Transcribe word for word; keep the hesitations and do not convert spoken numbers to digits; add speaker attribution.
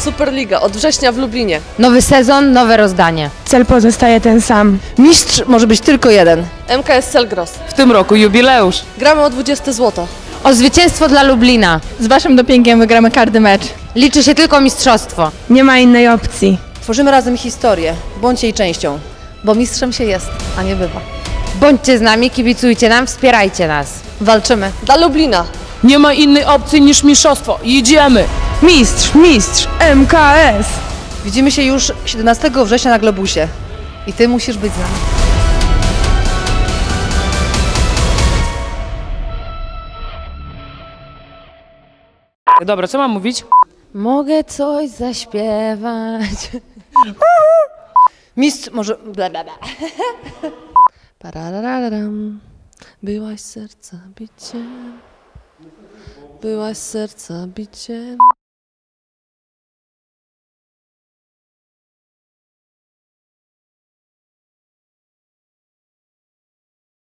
Speaker 1: Superliga od września w Lublinie.
Speaker 2: Nowy sezon, nowe rozdanie.
Speaker 3: Cel pozostaje ten sam.
Speaker 4: Mistrz może być tylko jeden.
Speaker 1: M K S Selgros.
Speaker 5: W tym roku jubileusz.
Speaker 1: Gramy o dwudzieste złoto.
Speaker 2: O zwycięstwo dla Lublina.
Speaker 6: Z waszym dopingiem wygramy każdy mecz.
Speaker 2: Liczy się tylko mistrzostwo.
Speaker 3: Nie ma innej opcji.
Speaker 4: Tworzymy razem historię. Bądźcie jej częścią. Bo mistrzem się jest, a nie bywa.
Speaker 2: Bądźcie z nami, kibicujcie nam, wspierajcie nas.
Speaker 4: Walczymy.
Speaker 1: Dla Lublina.
Speaker 5: Nie ma innej opcji niż mistrzostwo. Jedziemy!
Speaker 3: Mistrz, mistrz, M K S!
Speaker 4: Widzimy się już siedemnastego września na Globusie. I ty musisz być z nami.
Speaker 5: Dobra, co mam mówić?
Speaker 2: Mogę coś zaśpiewać.
Speaker 4: Mistrz może... Bla, bla, bla.
Speaker 1: Pararararam. Byłaś serca biciem. Byłaś serca biciem.